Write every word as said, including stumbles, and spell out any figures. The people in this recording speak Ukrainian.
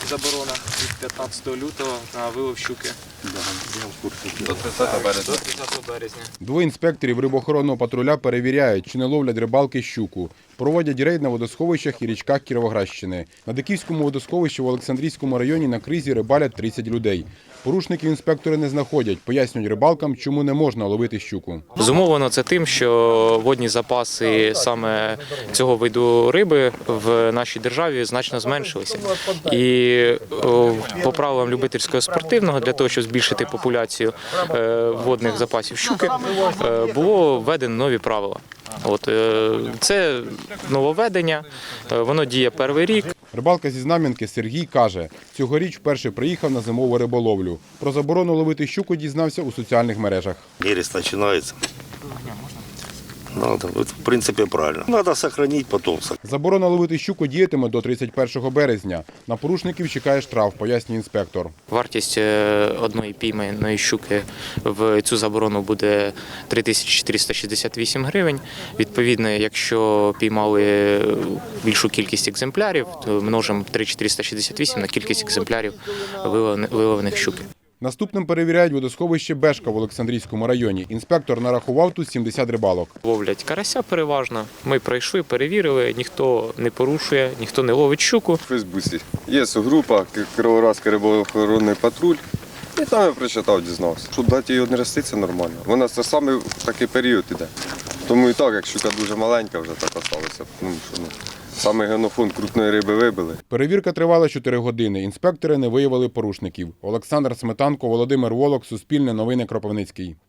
заборона від п'ятнадцятого лютого на вилов щуки. До тридцятого березня. Двоє інспекторів рибоохоронного патруля перевіряють, чи не ловлять рибалки щуку. Проводять рейд на водосховищах і річках Кіровоградщини. На Диківському водосховищі в Олександрійському районі на кризі рибалять тридцять людей. Порушників інспектори не знаходять, пояснюють рибалкам, чому не можна ловити щуку. Зумовлено це тим, що водні запаси саме цього виду риби в нашій державі значно зменшилися. І о, по правилам любительського спортивного, для того, щоб збільшити популяцію е, водних запасів щуки, е, було введено нові правила. От, е, це нововведення, е, воно діє перший рік. Рибалка зі Знам'янки Сергій каже, цьогоріч вперше приїхав на зимову риболовлю. Про заборону ловити щуку дізнався у соціальних мережах. Нерест починається. Ну, в принципі, правильно. Треба зберігати потомство. Заборона ловити щуку діятиме до тридцять першого березня. На порушників чекає штраф, пояснює інспектор. Вартість одної пійманої щуки в цю заборону буде три тисячі чотириста шістдесят вісім гривень. Відповідно, якщо піймали більшу кількість екземплярів, то множимо три тисячі чотириста шістдесят вісім на кількість екземплярів виловлених щуки. Наступним перевіряють водосховище Бешка в Олександрійському районі. Інспектор нарахував тут сімдесят рибалок. Ловлять карася переважно. Ми пройшли, перевірили, ніхто не порушує, ніхто не ловить щуку. У Фейсбуці є група Кіровоградський рибоохоронний патруль. І там я прочитав, дізнався. Щоб дати її однести, це нормально. Вона це саме в такий період іде. Тому і так, як щука дуже маленька, вже так осталося. Ну, що, ну, саме генофонд крупної риби вибили. Перевірка тривала чотири години. Інспектори не виявили порушників. Олександр Сметанко, Володимир Волок, Суспільне новини, Кропивницький.